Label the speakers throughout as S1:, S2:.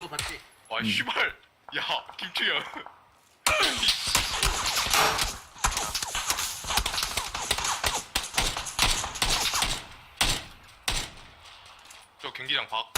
S1: 거 봤지?
S2: 아 씨발. 야 김충현. 저 경기장 박.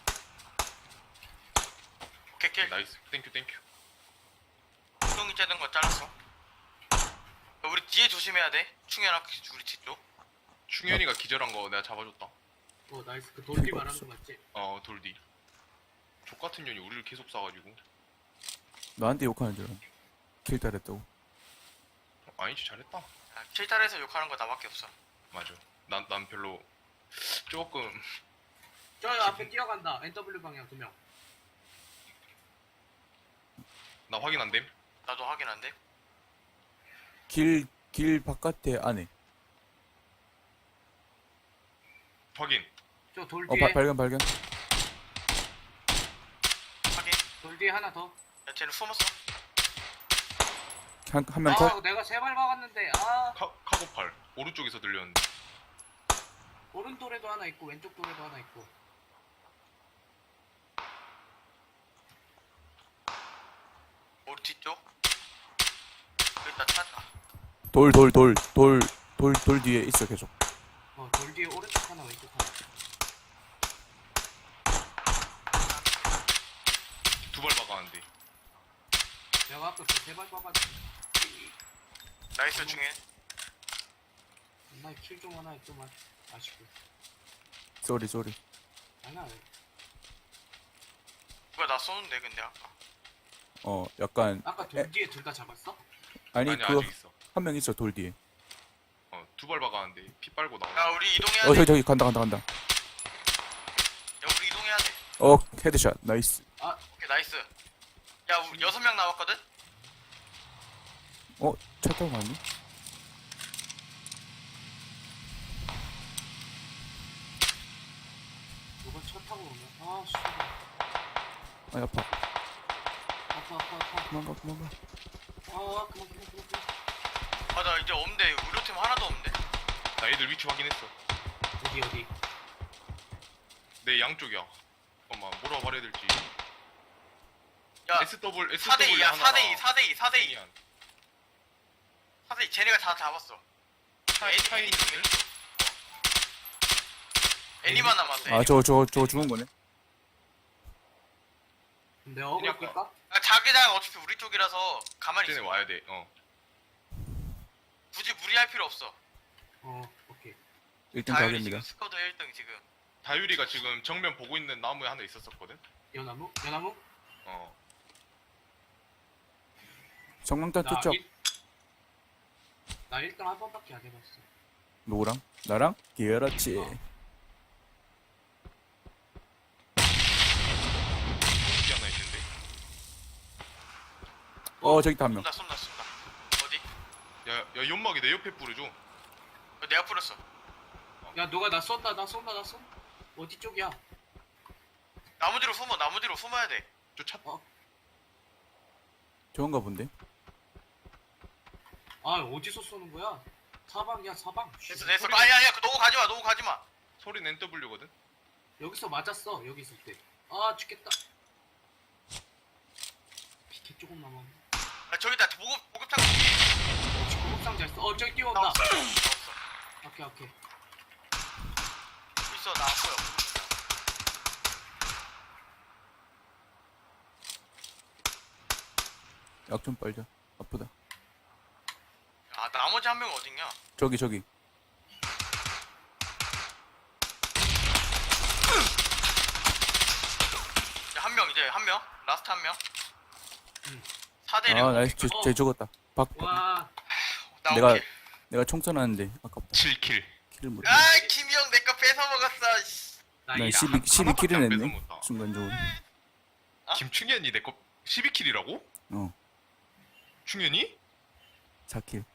S3: 오케이 킬.
S2: 나이스. 땡큐 땡큐.
S3: 똥이 째는 거 잘랐어. 우리 뒤에 조심해야 돼. 충현아 우리 뒤쪽.
S2: 충현이가 기절한 거 내가 잡아줬다.
S1: 나이스. 그 돌비 말하는 거 맞지?
S2: 돌디. 족 같은 년이 우리를 계속 쏴가지고.
S4: 나한테 욕하는 줄 알아. 킬 따랬다고.
S2: 아니지 잘했다.
S3: 킬탈에서 욕하는 거 나밖에 없어.
S2: 맞아. 난 별로 조금.
S1: 저 앞에 뛰어간다. NW 방향 2명.
S2: 나 확인 안 됨.
S3: 나도 확인 안 돼.
S4: 길 바깥에 안에.
S2: 확인.
S1: 저 돌 뒤에
S4: 발견.
S3: 확인.
S1: 돌 뒤에 하나 더.
S3: 야 쟤는 숨었어.
S4: 한 명 컷.
S1: 내가 3발 막았는데.
S2: 카고팔 오른쪽에서 들렸는데.
S1: 오른 돌에도 하나 있고 왼쪽 돌에도 하나 있고.
S3: 우리 뒤쪽. 일단 찾아.
S4: 돌 뒤에 있어 계속.
S1: 돌 뒤에 오른쪽 하나 왼쪽 하나.
S2: 두 발 박았는데.
S1: 내가 아까 그 3발 막았는데.
S3: 나이스 충현.
S1: 정말 킬좀 하나 좀 아쉽고.
S4: 쏘리.
S1: 아니야.
S3: 누가 나 쏘는데 근데 아까.
S4: 약간
S1: 아까 돌 뒤에 둘 다 잡았어?
S4: 아니
S2: 아니
S4: 그
S2: 아직 있어.
S4: 한 명 있어 돌 뒤에.
S2: 두 발 박았는데 피 빨고
S3: 야
S2: 나와.
S3: 우리 이동해야 돼.
S4: 저기 간다.
S3: 야 우리 이동해야 돼.
S4: 헤드샷 나이스.
S3: 오케이 나이스. 야 우리 6명 남았거든.
S4: 차 타고 갔니?
S1: 누가 차 타고 오면? 씨.
S4: 아니 아파.
S1: 아파.
S4: 도망가.
S1: 그만.
S3: 아 나 이제 없는데 의료팀 하나도 없는데.
S2: 나 얘들 위치 확인했어.
S1: 어디?
S2: 내 양쪽이야. 잠깐만 뭐라고 말해야 될지.
S3: 야
S2: SW
S3: 4대2야
S2: 하나가
S3: 4대2
S2: 아니야.
S3: 4대2 쟤네가 다 잡았어.
S2: 차이
S3: 쪽에. 애니만 남았어.
S4: 저거 죽은 거네.
S1: 내가 어글 끌까?
S3: 자기장 어차피 우리 쪽이라서 가만히
S2: 쟤네
S3: 있어.
S2: 와야 돼.
S3: 굳이 무리할 필요 없어.
S1: 오케이.
S4: 1등
S3: 다율이
S4: 가게입니다.
S3: 지금 스쿼드 1등 지금.
S2: 다율이가 지금 정면 보고 있는 나무에 하나 있었었거든.
S1: 연나무?
S4: 성광탄 투척.
S1: 나 1등 한 번밖에 안 해봤어.
S4: 누구랑? 나랑? 그렇지.
S2: 여기 하나 있는데.
S4: 저기 다 한 명.
S3: 쏜다. 어디?
S2: 야 연막이 내 옆에 뿌려줘.
S3: 내가 뿌렸어.
S1: 야 누가 나 쏜다. 어디 쪽이야?
S3: 나무 뒤로 숨어야 돼.
S2: 저 차.
S4: 좋은가 본데?
S1: 어디서 쏘는 거야? 사방이야.
S3: 됐어. 아니야. 너무 가지마.
S2: 소리는 NW거든.
S1: 여기서 맞았어. 여기 있을 때. 죽겠다. 피켓 조금 남았네.
S3: 저기다 보급창.
S1: 혹시 구급상자 있어? 저기 뛰어온다.
S3: 나 없어.
S1: 오케이.
S3: 있어 나 안 보여.
S4: 약 좀 빨자. 아프다.
S3: 나머지 한 명은 어딨냐?
S4: 저기.
S3: 한 명. 라스트 한 명.
S1: 응.
S3: 4대1.
S4: 나이스. 쟤 죽었다.
S1: 와.
S4: 내가 총 쏘놨는데 아깝다.
S2: 7킬.
S4: 킬을 못.
S3: 김형 내 거 뺏어 먹었어. 씨.
S4: 난
S1: 나이다.
S4: 12킬을
S2: 하나밖에 안
S4: 냈네.
S2: 뺏어먹었다.
S4: 순간적으로.
S2: 김충현이 내 거 12킬이라고?
S4: 어.
S2: 충현이?
S4: 4킬.